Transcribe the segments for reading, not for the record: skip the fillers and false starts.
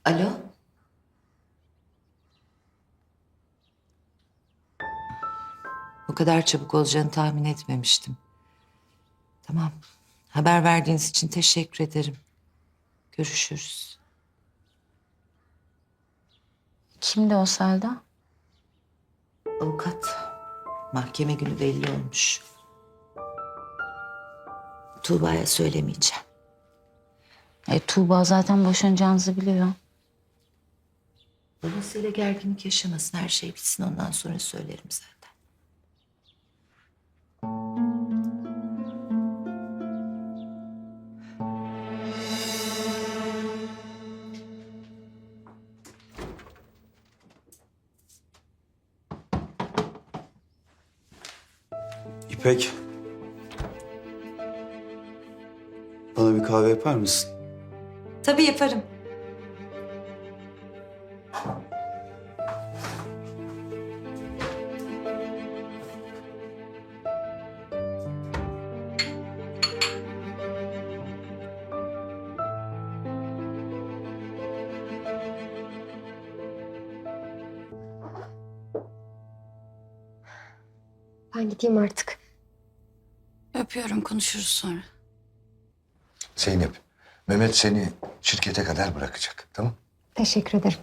Alo? Bu kadar çabuk olacağını tahmin etmemiştim. Tamam. Haber verdiğiniz için teşekkür ederim. Görüşürüz. Kimdi o Selda? Avukat. Mahkeme günü belli olmuş. Tuğba'ya söylemeyeceğim. Tuğba zaten boşanacağınızı biliyor. Babasıyla gerginlik yaşamasın, her şey bitsin, ondan sonra söylerim zaten. İpek. Bana bir kahve yapar mısın? Tabii yaparım. Ben gideyim artık. Öpüyorum, konuşuruz sonra. Zeynep, Mehmet seni şirkete kadar bırakacak, tamam? Teşekkür ederim.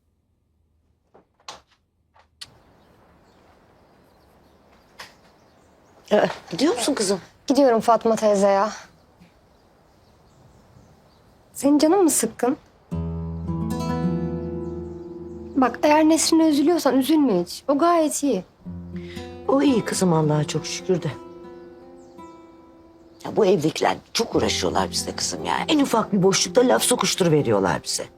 Gidiyor musun kızım? Gidiyorum Fatma teyze ya. Senin canın mı sıkkın? Bak eğer Nesrin'e üzülüyorsan üzülme hiç. O gayet iyi. O iyi kızım Allah'a çok şükür de. Ya bu evdekiler çok uğraşıyorlar bizle kızım ya. En ufak bir boşlukta laf sokuşturuveriyorlar bize.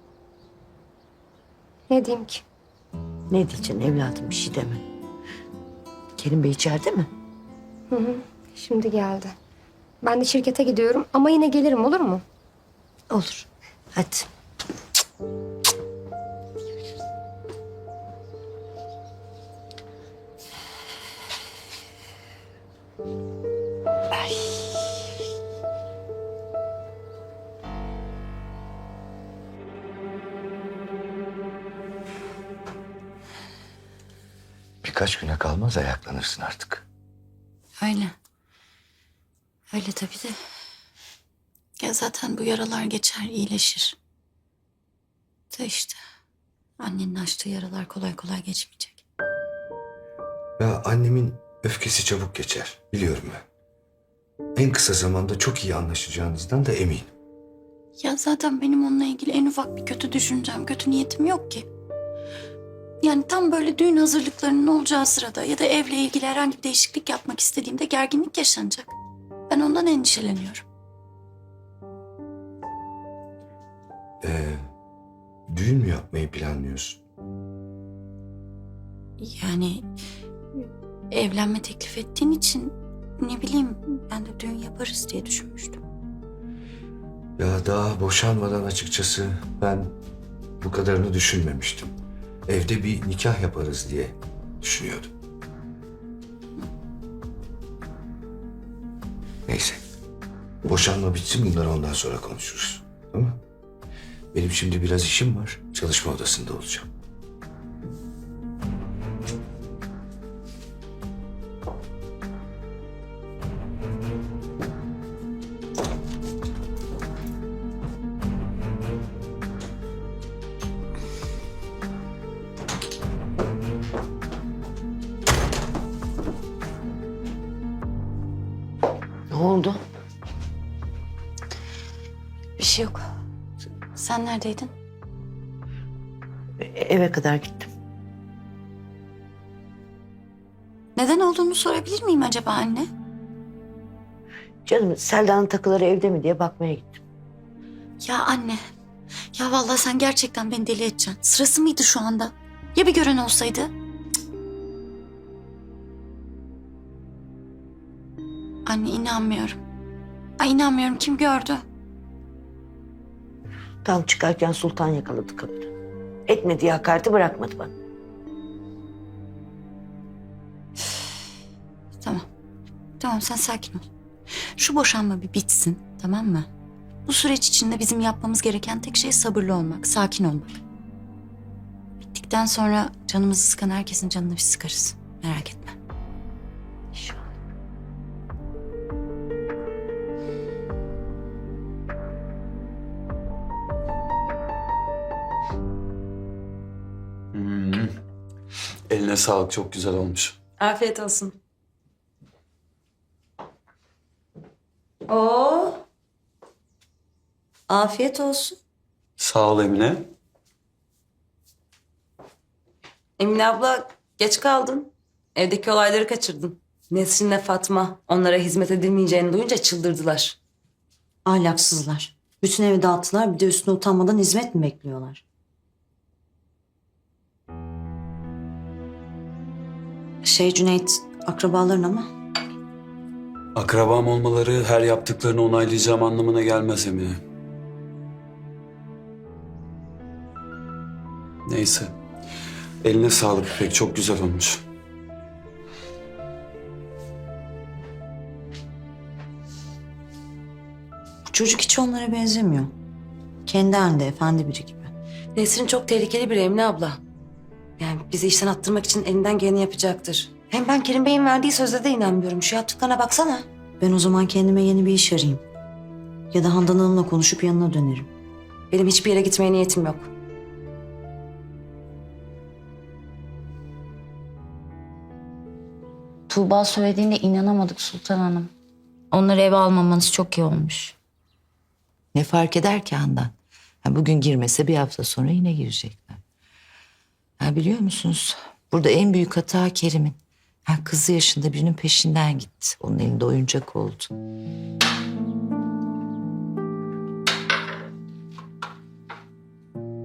Ne diyeyim ki? Ne diyeceksin evladım bir şey deme. Kerim Bey içeride mi? Şimdi geldi. Ben de şirkete gidiyorum ama yine gelirim, olur mu? Olur. Hadi. Birkaç güne kalmaz ayaklanırsın artık. Öyle. Öyle tabii de. Ya zaten bu yaralar geçer, iyileşir. Da işte annenin açtığı yaralar kolay kolay geçmeyecek. Ya annemin öfkesi çabuk geçer, biliyorum ben. En kısa zamanda çok iyi anlaşacağınızdan da eminim. Ya zaten benim onunla ilgili en ufak bir kötü düşüncem, kötü niyetim yok ki. Yani tam böyle düğün hazırlıklarının olacağı sırada ya da evle ilgili herhangi bir değişiklik yapmak istediğimde gerginlik yaşanacak. Ben ondan endişeleniyorum. Düğün mü yapmayı planlıyorsun? Yani evlenme teklif ettiğin için ne bileyim ben de düğün yaparız diye düşünmüştüm. Ya daha boşanmadan açıkçası ben bu kadarını düşünmemiştim. Evde bir nikah yaparız diye düşünüyordum. Neyse. Boşanma bitsin, bunları ondan sonra konuşuruz. Tamam mı? Benim şimdi biraz işim var. Çalışma odasında olacağım. Ne oldu? Bir şey yok. Sen neredeydin? Eve kadar gittim. Neden olduğunu sorabilir miyim acaba anne? Canım Selda'nın takıları evde mi diye bakmaya gittim. Ya anne. Ya vallahi sen gerçekten beni deli edeceksin. Sırası mıydı şu anda? Ya bir gören olsaydı? Cık. Anne inanmıyorum. Ay inanmıyorum. Kim gördü? Tam çıkarken Sultan yakaladı kapıda. Etmediği hakareti bırakmadı bana. Tamam. Tamam sen sakin ol. Şu boşanma bir bitsin, tamam mı? Bu süreç içinde bizim yapmamız gereken tek şey sabırlı olmak, sakin olmak. Bittikten sonra canımızı sıkan herkesin canını biz sıkarız. Merak etme. Eline sağlık, çok güzel olmuş. Afiyet olsun. Oo. Afiyet olsun. Sağ ol Emine. Emine abla geç kaldın. Evdeki olayları kaçırdın. Nesrin'le Fatma onlara hizmet edilmeyeceğini duyunca çıldırdılar. Ahlaksızlar. Bütün evi dağıttılar, bir de üstüne utanmadan hizmet mi bekliyorlar? Cüneyt, akrabaların ama. Akrabam olmaları her yaptıklarını onaylayacağım anlamına gelmez Emine. Neyse. Eline sağlık İpek, çok güzel olmuş. Bu çocuk hiç onlara benzemiyor. Kendi halinde efendi biri gibi. Nesrin çok tehlikeli bir Emine abla. Yani bizi işten attırmak için elinden geleni yapacaktır. Hem ben Kerim Bey'in verdiği sözde de inanmıyorum. Şu yaptıklarına baksana. Ben o zaman kendime yeni bir iş arayayım. Ya da Handan Hanım'la konuşup yanına dönerim. Benim hiçbir yere gitmeye niyetim yok. Tuğba söylediğinde inanamadık Sultan Hanım. Onları eve almamanız çok iyi olmuş. Ne fark eder ki Handan? Ha, bugün girmese bir hafta sonra yine girecekler. Ha, biliyor musunuz? Burada en büyük hata Kerim'in. Ha, kızı yaşında birinin peşinden gitti. Onun elinde oyuncak oldu.